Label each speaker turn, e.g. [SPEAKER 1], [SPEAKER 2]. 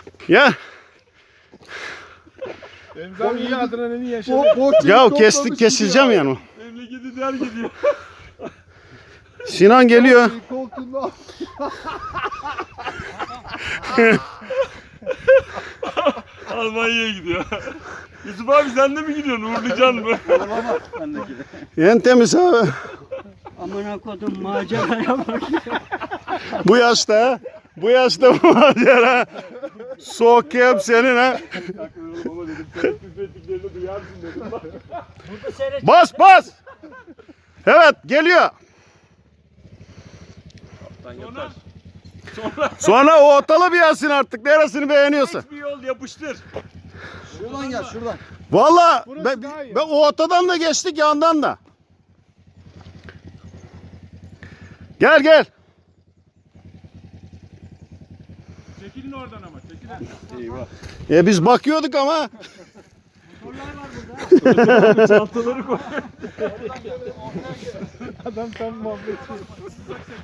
[SPEAKER 1] Ya.
[SPEAKER 2] Emzam iyi adrenalin yaşadı.
[SPEAKER 1] Ya kesileceğim yani.
[SPEAKER 2] Memleketi der gidiyor.
[SPEAKER 1] Sinan geliyor.
[SPEAKER 3] Koltuğunda.
[SPEAKER 2] Almanya'ya gidiyor. Yusuf abi sen de mi gidiyorsun? Uğurlayacaksın mı?
[SPEAKER 1] En temiz abi.
[SPEAKER 4] Amına kodum maceraya bak.
[SPEAKER 1] Bu yaşta. Bu yaşta bu macera. Soğuk hep senin ha.
[SPEAKER 2] Baba dedim sen üfrettiklerini duyarsın dedim.
[SPEAKER 4] Burada seyret.
[SPEAKER 1] Bas bas. Evet geliyor. Sonra o otalı bir yazsın artık. Neresini beğeniyorsa.
[SPEAKER 2] Bir yol yapıştır.
[SPEAKER 3] Şuradan gel şuradan.
[SPEAKER 1] Vallahi
[SPEAKER 2] Burası daha iyi.
[SPEAKER 1] ben o otadan da geçtik yandan da. Gel gel.
[SPEAKER 2] Çekilin oradan ama çekilin.
[SPEAKER 1] Biz bakıyorduk ama.
[SPEAKER 2] Çantaları koy. Adam tam muhabbet.